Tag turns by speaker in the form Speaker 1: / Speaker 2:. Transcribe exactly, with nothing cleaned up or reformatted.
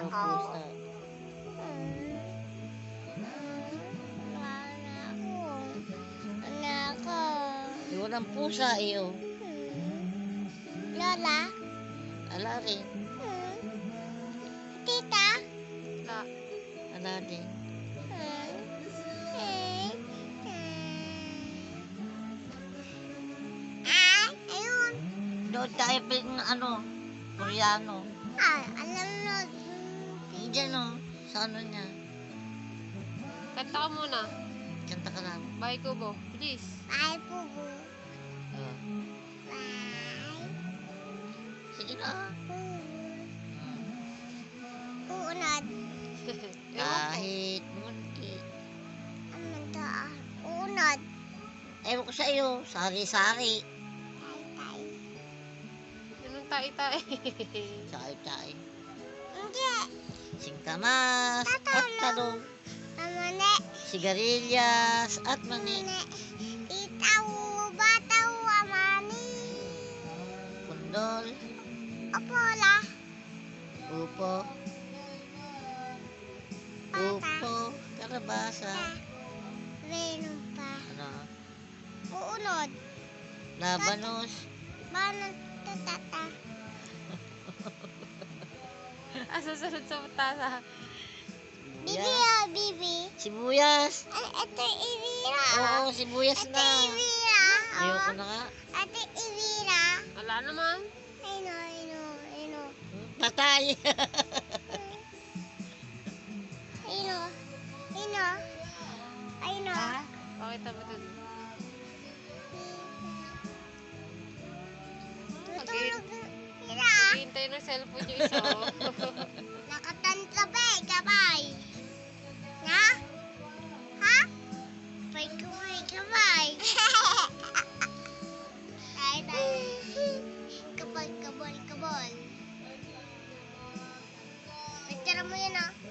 Speaker 1: ako.
Speaker 2: pusa.
Speaker 1: Hmm. Wala ako. Wala ako.
Speaker 2: Eh, walang pusa iyo.
Speaker 1: Hmm. Lola?
Speaker 2: Ala rin.
Speaker 1: Hmm. Tita?
Speaker 3: La.
Speaker 2: Ala din.
Speaker 1: Hmm. Eh. Hmm. Ah, ayun.
Speaker 2: Doon tayo ping ano, Koreano.
Speaker 1: Ah, alam mo.
Speaker 2: Diyan o, sa ano niya.
Speaker 3: Kanta ka muna.
Speaker 2: Kanta ka lang.
Speaker 3: Bye, Kubo. Please.
Speaker 1: Bye, Pubu.
Speaker 2: Oh.
Speaker 1: Bye.
Speaker 2: Sige na.
Speaker 1: Uunod.
Speaker 3: Ewan ko.
Speaker 2: Kahit munti.
Speaker 1: Ano to ah? Uunod.
Speaker 2: Ewan ko sa iyo, sari-sari.
Speaker 1: Tay, tay.
Speaker 3: Ganun tayo-tayo.
Speaker 2: Tsay-tsay.
Speaker 1: Hindi.
Speaker 2: Singkamas at talong.
Speaker 1: Mamane.
Speaker 2: Sigarilyas at mani.
Speaker 1: Mamane. Itaw. Bataw. Amani.
Speaker 2: Kundol.
Speaker 1: Opola.
Speaker 2: Upo. Upo. Karabasa.
Speaker 1: Meron pa.
Speaker 2: Ano?
Speaker 1: Uunod.
Speaker 2: Labanos.
Speaker 1: Banan tatata.
Speaker 3: Ah, susunod sa tasa.
Speaker 1: Bibi
Speaker 2: Sibuyas.
Speaker 1: ah, bibi.
Speaker 2: Sibuyas.
Speaker 1: Ay, ito Ivira.
Speaker 2: Oo, sibuyas
Speaker 1: Ito
Speaker 2: na.
Speaker 1: Ivira.
Speaker 2: Ayoko na nga.
Speaker 1: Ito Ivira.
Speaker 3: Wala naman.
Speaker 1: Ayun o, ayun o, ayun o.
Speaker 2: Patay.
Speaker 1: Ayun o. Ayun o. Ayun o.
Speaker 3: Pakita mo dun.
Speaker 1: Tutulog. Ira.
Speaker 3: Hihintay ng cellphone yung isa. oh.
Speaker 1: Nakatantabay, kabay. Na? Ha? Pay kumay, kabay. Tay, tay. Kabal, kabal, kabal. Picture mo yun ah.